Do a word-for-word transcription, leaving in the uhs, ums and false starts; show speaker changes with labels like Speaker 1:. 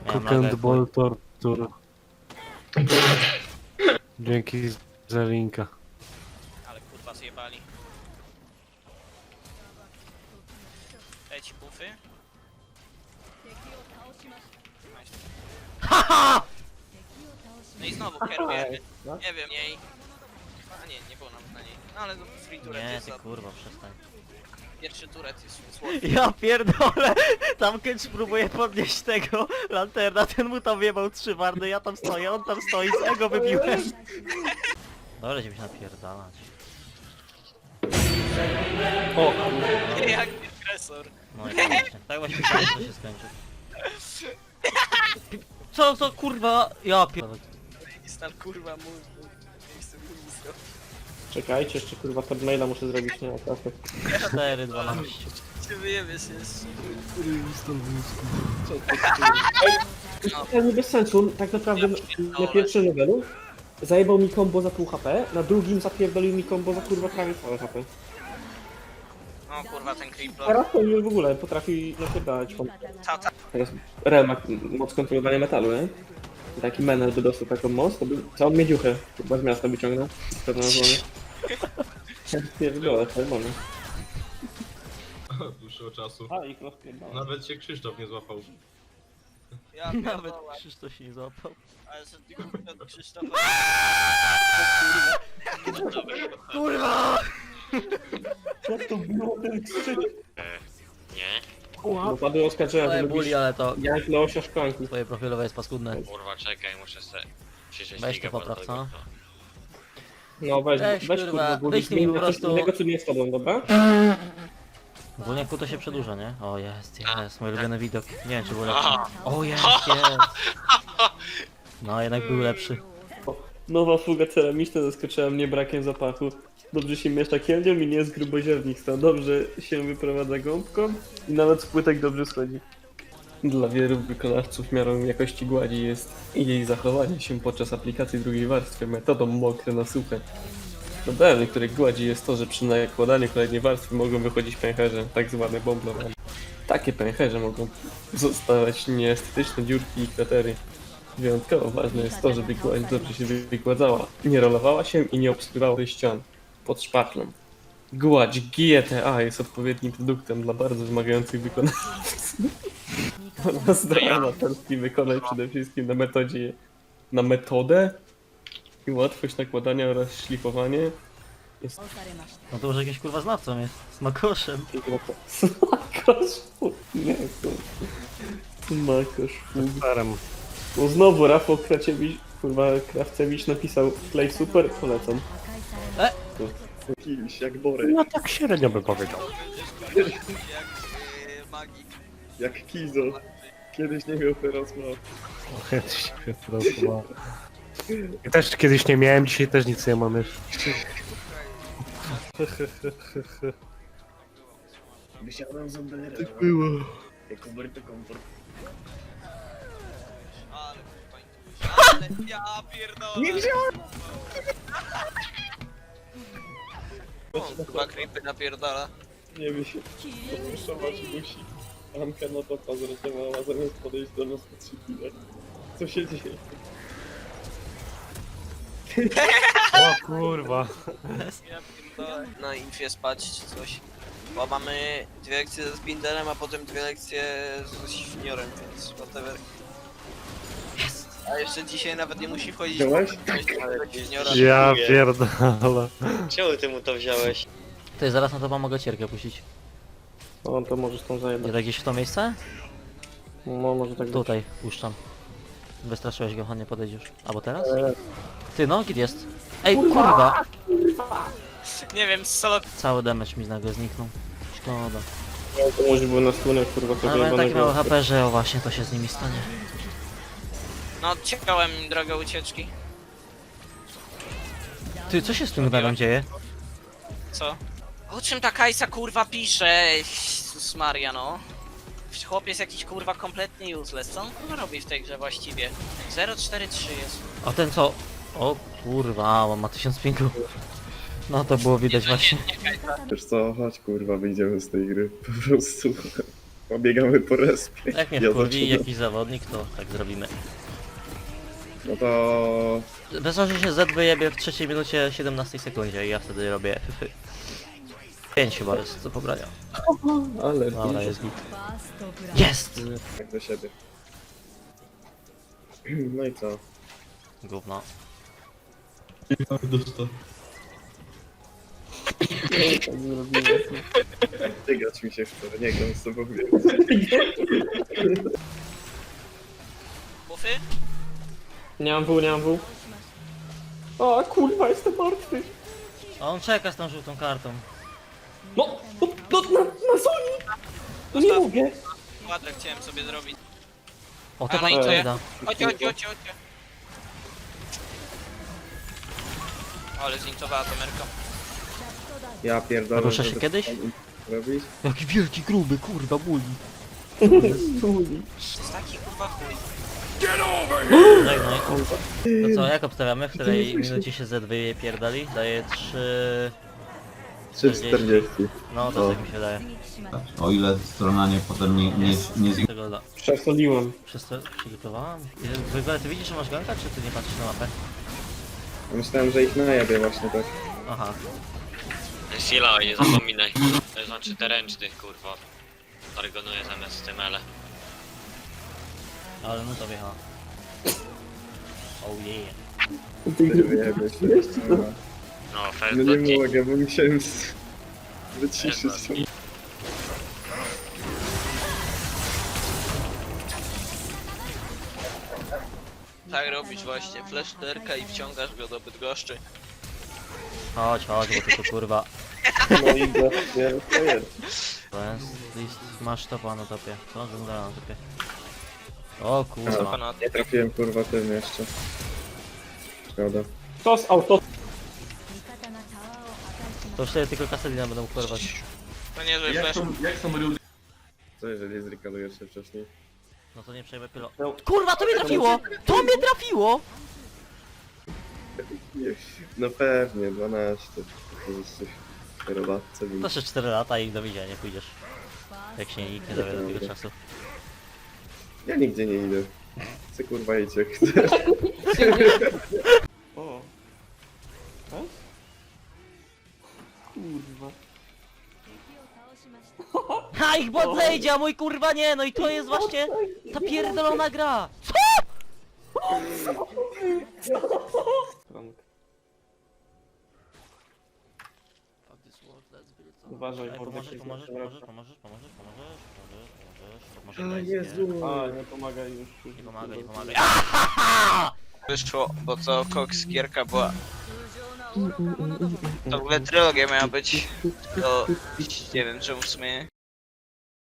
Speaker 1: Miałem
Speaker 2: Cook and
Speaker 1: lagę,
Speaker 2: Ball Torture. Dzięki za linka.
Speaker 3: Ale kurwa zjebali. Leci bufy.
Speaker 1: Haha!
Speaker 3: No i znowu kierujemy. Nie wiem, jej. A nie, nie było nam na niej. No ale no, free turret
Speaker 1: Nie,
Speaker 3: jest
Speaker 1: ty
Speaker 3: za...
Speaker 1: kurwa, przestań.
Speaker 3: Pierwszy turret jest słodki.
Speaker 1: Ja pierdolę! Tam Kench próbuje podnieść tego lanterna, ten mu tam wjebał trzy wardy, ja tam stoję, on tam stoi, z ego wybiłem. Dobra, będziemy się napierdalać.
Speaker 2: O,
Speaker 3: Jak agresor.
Speaker 1: No i właśnie, tak właśnie myślałem, że to się skończy. Co, co kurwa? Ja pierdolę.
Speaker 3: Stal kurwa mój. Miejsce ministra.
Speaker 4: Czekajcie, jeszcze kurwa maila muszę zrobić, nie ma trafy.
Speaker 1: cztery dwanaście.
Speaker 3: Czy wyjebiesz jeszcze?
Speaker 4: To nie bez sensu, tak naprawdę na pierwszym levelu zajebał mi combo za pół H P, na drugim zapierdolił mi combo za kurwa prawie całe H P.
Speaker 3: O kurwa ten creeper.
Speaker 4: Teraz to już w ogóle potrafi napierdalać.
Speaker 3: Ta, ta.
Speaker 4: Teraz Rel ma moc kontrolowania metalu, nie? Taki menel by dostał taką moc, to by całą miedziuchę chyba z miasta wyciągnął. Pewno na złonie. Nie wygląda, czerwony.
Speaker 5: Od dłuższego czasu.
Speaker 4: A, i rozpierdala.
Speaker 5: Nawet się Krzysztof nie złapał.
Speaker 3: Ja
Speaker 1: Nawet
Speaker 3: pierdolę.
Speaker 1: Krzysztof się nie złapał.
Speaker 3: Ale że ty kurwa od Krzysztofa.
Speaker 1: Kurwa!
Speaker 4: Jak to było ten krzyk?
Speaker 6: Nie,
Speaker 4: Bo padły oskarżenia, że
Speaker 1: Moje
Speaker 4: lubisz
Speaker 1: buli, ale to
Speaker 4: jak Leosia szklanki.
Speaker 1: twoje profilowe jest paskudne.
Speaker 6: kurwa, czekaj, muszę se przyjrzeć
Speaker 1: Weź
Speaker 6: ligę,
Speaker 1: to
Speaker 6: bo
Speaker 1: popraw,
Speaker 6: tego
Speaker 1: co?
Speaker 6: to-
Speaker 4: No weź,
Speaker 1: Weź,
Speaker 4: weź
Speaker 1: kurwa,
Speaker 4: kurwa, bo
Speaker 1: wyślij mi po
Speaker 4: coś
Speaker 1: prostu-
Speaker 4: innego, co nie z tobą, dobra?
Speaker 1: Ogólnie to się przedłuża, nie? O jest, jest, mój ulubiony widok. Nie wiem czy był lepszy.
Speaker 6: Aha.
Speaker 1: O jest, jest. No jednak był lepszy.
Speaker 4: Nowa fuga ceramiczna zaskoczyła mnie brakiem zapachu. Dobrze się miesza kielnią i nie jest gruboziarnista. Dobrze się wyprowadza gąbką i nawet z płytek dobrze schodzi. Dla wielu wykonawców miarą jakości gładzi jest jej zachowanie się podczas aplikacji drugiej warstwy metodą mokre na suche. Problemem niektórych gładzi jest to, że przy nakładaniu kolejnej warstwy mogą wychodzić pęcherze, tak zwane bomblowane. Takie pęcherze mogą zostawać nieestetyczne dziurki i kratery. Wyjątkowo ważne jest to, żeby gładź dobrze się wygładzała, nie rolowała się i nie obskurała ścian pod szpachlą. Gładź G T A jest odpowiednim produktem dla bardzo wymagających wykonawców. Ona zdrowa amatorski wykonać przede wszystkim na metodzie, na metodę i łatwość nakładania oraz szlifowanie jest
Speaker 1: No to może jakimś kurwa znawcą jest. Z makoszem.
Speaker 4: Smakosz fug. Nie, kurwa. Smakosz fug.
Speaker 2: starem.
Speaker 4: No znowu Rafał Kraciewicz, kurwa Krawcewicz napisał Play super, polecam.
Speaker 1: E?
Speaker 4: Jakiś, jak Bory.
Speaker 2: No tak średnio bym powiedział.
Speaker 3: Jak yy, magik.
Speaker 4: Jak Kizo. Kiedyś nie miał, teraz ma.
Speaker 2: Kiedyś się rozmawiał. Ja też kiedyś nie miałem, dzisiaj też nic nie mam już.
Speaker 7: Wysiadłem z Umbrella.
Speaker 4: Tak było.
Speaker 7: Jako Berto Komfort.
Speaker 3: Ale kurwa intuicja. Ale ja pierdolę. Nie wziąłem! Kurwa creepy napierdala.
Speaker 4: Nie wie się, poszusować musi. Anka na to pozreszowała, zamiast podejść do nas po trzy chwile. Co się dzieje?
Speaker 2: O kurwa.
Speaker 3: Ja pierdolę. Na infie spać czy coś. Bo mamy dwie lekcje ze Spindelem, a potem dwie lekcje ze Świniorem, więc whatever. A jeszcze dzisiaj nawet nie musi wchodzić
Speaker 4: Wziąłeś?
Speaker 3: Świniora.
Speaker 2: Ja pierdolę.
Speaker 6: Czemu ty mu to wziąłeś?
Speaker 1: Ty zaraz na to mogę cierkę puścić.
Speaker 4: No to możesz tą
Speaker 1: Nie
Speaker 4: zajebać.
Speaker 1: tak gdzieś w to miejsce?
Speaker 4: No może tak być.
Speaker 1: Tutaj puszczam. Wystraszyłeś go, nie podejdziesz. Albo teraz? Ty no, git jest. Ej, kurwa!
Speaker 3: Nie wiem, solo...
Speaker 1: Cały damage mi nagle zniknął. Szkoda.
Speaker 4: No, to może było na stronę, kurwa, to
Speaker 1: Ale mają takie małe
Speaker 4: wyjebanego.
Speaker 1: H P, że o właśnie to się z nimi stanie.
Speaker 3: No odciekałem im drogę ucieczki.
Speaker 1: Ty, co się z tym gnarem dzieje?
Speaker 3: Co? O czym ta Kajsa kurwa pisze? Jezus Maria no. Chłop jest jakiś kurwa kompletnie useless. Co on kurwa robi w tej grze właściwie? zero cztery trzy jest.
Speaker 1: A ten co? O kurwa, on ma tysiąc pingu. No to było widać właśnie.
Speaker 3: Nie, nie Kajsa.
Speaker 7: Wiesz co, chodź kurwa, wyjdziemy z tej gry. Po prostu.
Speaker 8: Pobiegamy po respie.
Speaker 1: Jak mnie
Speaker 8: Ja
Speaker 1: wkurwi
Speaker 8: zaczynam.
Speaker 1: jakiś zawodnik, to tak zrobimy.
Speaker 8: No to...
Speaker 1: Wystarczy się Z wyjebie w trzeciej minucie siedemnastej sekundzie i ja wtedy robię fyfy. pięć chyba jest do pobrania.
Speaker 4: Ale
Speaker 1: Dobra, jest git. Jest!
Speaker 8: Tak do siebie. No i co?
Speaker 1: Gówno.
Speaker 5: Dostał.
Speaker 4: tak zrobiłem.
Speaker 8: Tygać mi się chce, nie gram z tobą więcej.
Speaker 3: Bufy?
Speaker 4: Nie mam W, nie mam W. O kurwa, jestem martwy.
Speaker 1: A on czeka z tą żółtą kartą.
Speaker 4: No, no, no na, na Sony! No nie mogę.
Speaker 3: Kwadrę chciałem sobie zrobić.
Speaker 1: O, to
Speaker 3: Ale
Speaker 1: pan
Speaker 3: i co ja?
Speaker 1: da.
Speaker 3: Chodź, chodź, chodź, chodź. Ale zintowała to Merka.
Speaker 8: Ja pierdolę.
Speaker 1: Rusza się
Speaker 8: żeby
Speaker 1: kiedyś?
Speaker 8: tam robić.
Speaker 1: Jaki wielki, gruby, kurwa, buli.
Speaker 3: To jest taki kurwa chuj.
Speaker 1: Żegnaj. To co, jak obstawiamy? W której minucie się Z wyje pierdali? Daje trzy...
Speaker 8: trzy czterdzieści.
Speaker 1: No, to
Speaker 8: O.
Speaker 1: tak mi się wydaje.
Speaker 9: O ile strona nie potem nie, nie, nie z...
Speaker 1: Tego da.
Speaker 4: Przesoliłem.
Speaker 1: Przez to przygotowałam? I w ogóle ty widzisz, że masz ganka, czy ty nie patrzysz na mapę?
Speaker 8: Myślałem, że ich najebie właśnie tak.
Speaker 1: Aha.
Speaker 6: Sila, nie zapominaj. To znaczy te ręczny, kurwa. Targonuję zamiast tym ele.
Speaker 1: Ale no to wjechała. Oh yeah.
Speaker 8: Ty wyjebie się. No,
Speaker 6: No, first
Speaker 8: no nie
Speaker 6: blood
Speaker 8: mogę, bo musiałem z... wyciszyć to.
Speaker 3: Tak robisz właśnie. Fleszterka i wciągasz go do Bydgoszczy.
Speaker 1: Chodź, chodź, bo ty tu kurwa.
Speaker 4: No i właśnie, to jest.
Speaker 1: To jest list, masz topa na topie. Co? Dżungla na topie. O kurwa.
Speaker 3: Ponad.
Speaker 8: Nie trafiłem kurwa tym jeszcze. Szkoda.
Speaker 4: To z auto.
Speaker 1: To już sobie tylko kaselina będą kurwać.
Speaker 3: To niezły
Speaker 5: Jak
Speaker 3: flash.
Speaker 5: są, jak są rudy?
Speaker 8: Co jeżeli zrekalujesz się wcześniej?
Speaker 1: No to nie przejmę pylo.
Speaker 4: No.
Speaker 1: Kurwa, to mnie trafiło! To mnie trafiło!
Speaker 8: No pewnie, dwanaście. To jesteś kierowcą.
Speaker 1: To jeszcze cztery lata i do widzenia nie pójdziesz. Jak się nikt nie dowie do tego czasu.
Speaker 8: Ja nigdzie nie idę. Chcę kurwa iść jak chcę.
Speaker 4: O. Tak? Kurwa.
Speaker 1: Ha, ich bot zejdzie, a mój kurwa nie! No i to jest właśnie ta pierdolona gra!
Speaker 4: Frank. Uważaj,
Speaker 1: Ej,
Speaker 4: Mordek
Speaker 1: pomożesz,
Speaker 4: jest
Speaker 1: pomożesz,
Speaker 4: na
Speaker 1: pomożesz,
Speaker 4: drodze.
Speaker 1: pomożesz, pomożesz, pomożesz, pomożesz, pomożesz,
Speaker 8: A
Speaker 1: pomożesz,
Speaker 8: Jezu!
Speaker 4: A, nie pomagaj już. już
Speaker 1: Nie pomagaj, nie
Speaker 4: kurwa.
Speaker 1: pomagaj.
Speaker 3: Wyszło, bo to Cox gierka była. To w ogóle trylogia miała być. To nie wiem czemu w sumie